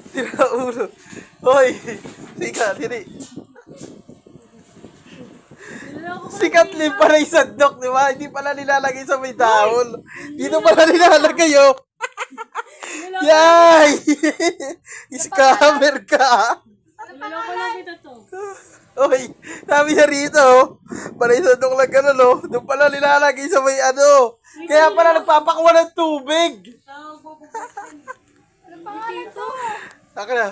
Tira ulo. Hoy! Sikat, hindi. Sikat lip pala yung sandok, di ba? Hindi pala nilalagay sa may towel. Dito pala nilalagay, oh. Yay! Scammer ka. Niloko lang kita to. Hoy, sabi niya rito, oh. Pala yung sandok lang ganun, oh. Doon pala nilalagay sa may ano. Kaya pala nagpapakwa ng tubig. Ano pangalan to? Saka na.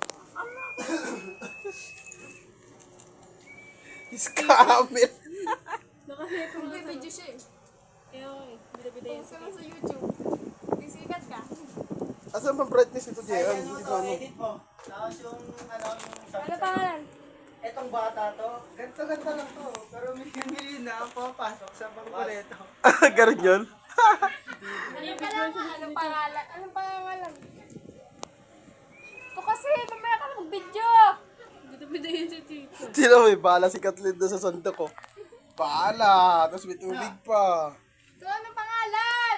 Scammer. Nakaseto nga May sa... video siya eh. Kaya ako eh. Bida-bida yan Post ka lang sa YouTube. Sisikat ka. Asan ba brightness ito, Jean? Hindi ko ano. Edit mo. Tapos yung ano, Ano pangalan? etong bata to, ganito-ganito lang to. Pero mili na ang papasok sa bangko nito. Ganun yun? Ano pangalan? Anong pangalan? Anong pangalan? Ito kasi, mamaya ka ng video. Bida-bida yan si Tito. Sino may bala si Kathleen doon sa sandok ko? Bala! Tapos may tubig pa. Ito, anong pangalan?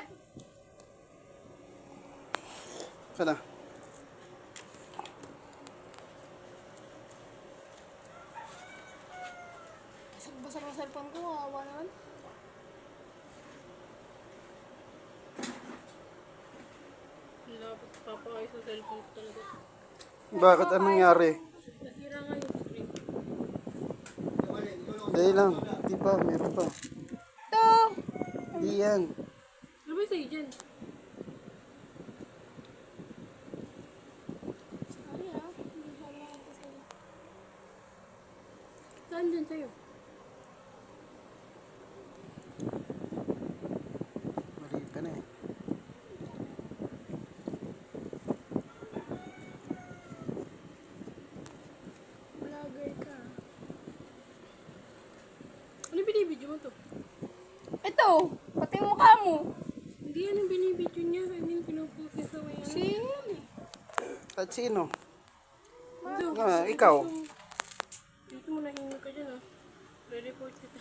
Sana. Basag-basag ang cellphone ko, awa naman. Lapot papakay sa cellphone ko talaga. Bakit? Anong nangyari? Nasira nga yung screen. Dahil lang. Di pa. Meron pa. Ito! Di yan. Ano ba yung sa'yo dyan? Sorry ah, hindi ko alam ito sa'yo. Saan dyan sa'yo? Mali ka na eh. Vlogger ka. Ano yung binibidyo mo to? Ito! Pati yung mukha mo. Hindi yan yung binibidyo niya. Hindi yung pinupost niya sa may ano. Sino? At sino? Ito. Ikaw. Dito mo nahingin ka dyan ah. Re-report kita.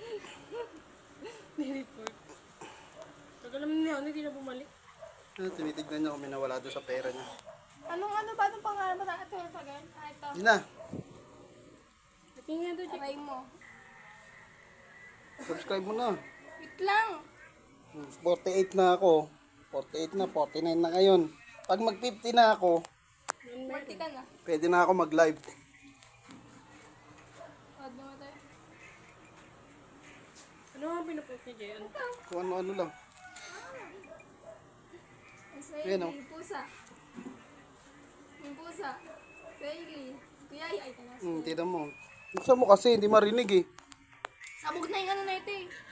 Re-report. Tagal naman niya, hindi na bumalik. Ano, tinitignan niya kung may nawala doon sa pera niya. Anong ano ba? Anong pangalan ba? Ito, ito, again. Ah, ito. Di na. Natingin doon, Aray mo. Subscribe mo na. Wait lang. 48 na ako. 48 na. 49 na ngayon. Pag mag 50 na ako, Party ka na. pwede na ako mag-live. Wad naman tayo. Ano nga pinupost niya dyan? Kung ano-ano lang. Israeli, Ayan, oh. yung pusa. Yung pusa. Israeli. Kuya, ay, tanas. Tignan mo. Buksan mo kasi, hindi marinig eh. Sabog na yung ano na ito eh.